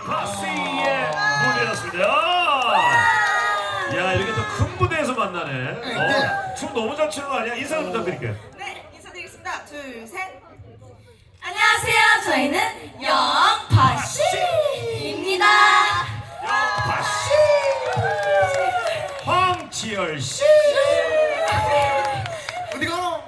파시의 무대였습니다. 야, 이렇게 또 큰 무대에서 만나네. 춤 너무 잘 추는 거 아니야? 인사 좀 부탁드릴게요. 네, 인사드리겠습니다. 둘, 셋. 안녕하세요. 저희는 영파씨입니다. 파시 황치열 씨. 어디 가노?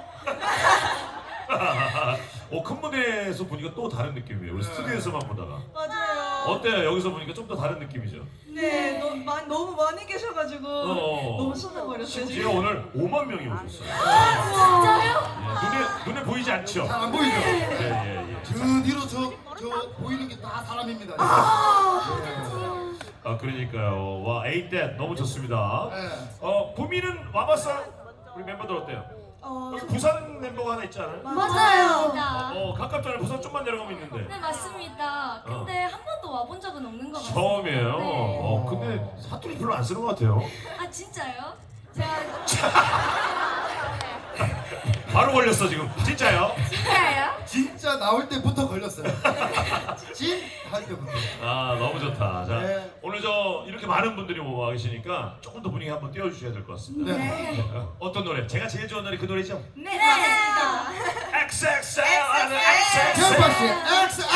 큰 무대에서 보니까 또 다른 느낌이에요. 우리 스튜디오에서만 보다가. 맞아요. 어때요? 여기서 보니까 좀 더 다른 느낌이죠. 네, 너무 많이 계셔가지고 너무 쏟아버렸어요. 심지어 지금. 오늘 5만 명이 오셨어요. 진짜요? 눈에 보이지 않죠? 잘 안 보이죠? 예. 그 뒤로 저 보이는 게 다 사람입니다. 그러니까요. 와, 에이댓 너무 좋습니다. 네. 보미는 와봤어요? 우리 멤버들 어때요? 여기 부산 멤버가 하나 있지 않아요? 맞아요. 가깝잖아요. 부산 좀만 내려가면 있는데. 네, 맞습니다. 근데 한 번도 와본 적은 없는 것 같아요. 처음이에요. 네. 근데 사투리 별로 안 쓰는 것 같아요. 아, 진짜요? 제가 바로 걸렸어 지금. 진짜요? 진짜요? 진짜 나올 때부터 걸렸어요. 할 때부터. 너무 좋다. 자, 네. 오늘 이렇게 많은 분들이 와 계시니까 조금 더 분위기 한번 띄워주셔야 될 것 같습니다. 네. 어떤 노래? 제가 제일 좋아하는 노래 그 노래죠? 네, 맞습니다. XXL. 캠퍼스 XXL.